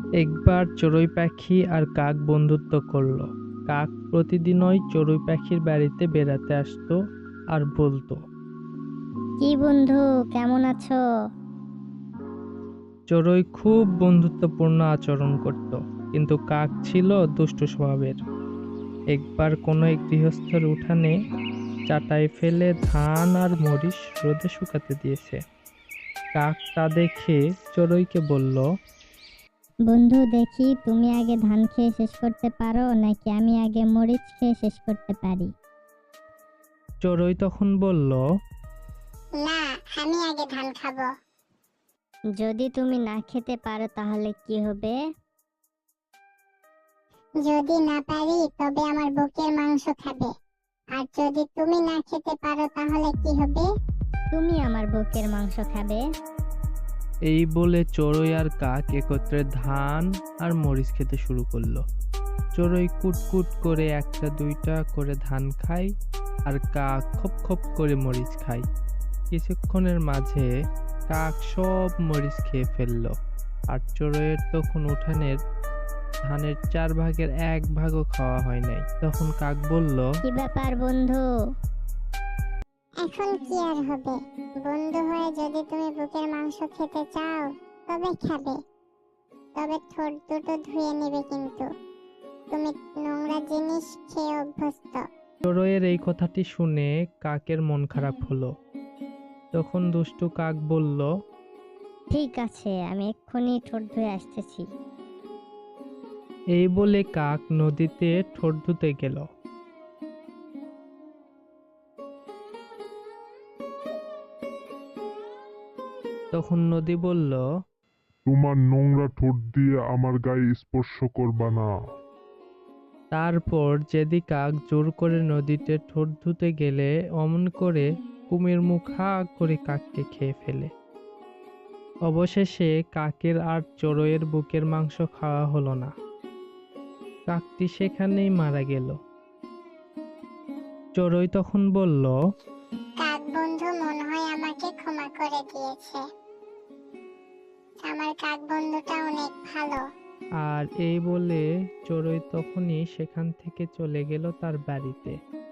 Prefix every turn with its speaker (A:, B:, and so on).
A: একবার চড়ুই পাখি আর কাক বন্ধুত্ব করলো। কাক প্রতিদিনই চড়ুই পাখির বাড়িতে বেড়াতে আসতো আর বলতো।
B: কি বন্ধু, কেমন আছো?
A: চড়ুই খুব বন্ধুত্বপূর্ণ আচরণ করত, কিন্তু কাক ছিল দুষ্ট স্বভাবের। একবার কোনো এক গৃহস্থের উঠানে চাটাই ফেলে ধান আর মরিচ রোদে শুকাতে দিয়েছে। কাক তা দেখে চড়ুইকে বলল।
B: বন্ধু, দেখি তুমি আগে ধান খেয়ে শেষ করতে পারো নাকি আমি আগে মরিচ খেয়ে শেষ করতে পারি।
A: চড়ুই তখন বলল,
C: না, আমি আগে ধান খাবো।
B: যদি তুমি না খেতে পারো তাহলে কি হবে?
C: যদি না পারি তবে আমার বুকের মাংস খাবে। আর যদি তুমি না খেতে পারো তাহলে কি হবে?
B: তুমি আমার বুকের মাংস খাবে।
A: এই বলে চড়ুই আর কাক একত্রে ধান আর মরিচ খেতে শুরু করলো। চড়ুই কুটকুট করে একটা দুইটা করে ধান খায়, আর কাক খপ খপ করে মরিচ খায়। কিছুক্ষণের মাঝে কাক সব মরিচ খেয়ে ফেললো, আর চড়ুইয়ের তখন উঠানের ধানের 4 ভাগের 1 ভাগও খাওয়া হয় নাই। তখন কাক বলল,
B: কি ব্যাপার বন্ধু?
C: এখন কি আর হবে? বন্ধু হয়ে যদি তুমি বুকের মাংস খেতে চাও তবে খাবে, তবে ঠোঁট দুটো ধুয়ে নেবে, কিন্তু তুমি নোংরা জিনিস খেয়ে অভ্যস্ত।
A: চড়ুইয়ের এই কথাটি শুনে কাকের মন খারাপ হলো। তখন দুষ্টু কাক বলল,
B: ঠিক আছে, আমি এক্ষুনি ঠোঁট ধুয়ে আসতেছি।
A: এই বলে কাক নদীতে ঠোঁট ধুতে গেল। তখন নদী বলল,
D: তোমার নোংরা ঠোঁট দিয়ে আমার গায়ে স্পর্শ করবা না।
A: তারপর যেদি কাক জোর করে নদীতে ঠোঁট ধুতে গেলে অমন করে কুমির মুখ হা করে কাককে খেয়ে ফেলে। অবশেষে কাকের আর চড়ুইয়ের বুকের মাংস খাওয়া হলো না। কাকটি সেখানেই মারা গেল। চড়ুই তখন বলল,
C: কাক বন্ধু মনে হয় আমাকে ক্ষমা করে দিয়েছে। আমার কাক বন্ধুটা অনেক ভালো।
A: আর এই বলে চড়ুই তখনই সেখান থেকে চলে গেল তার বাড়িতে।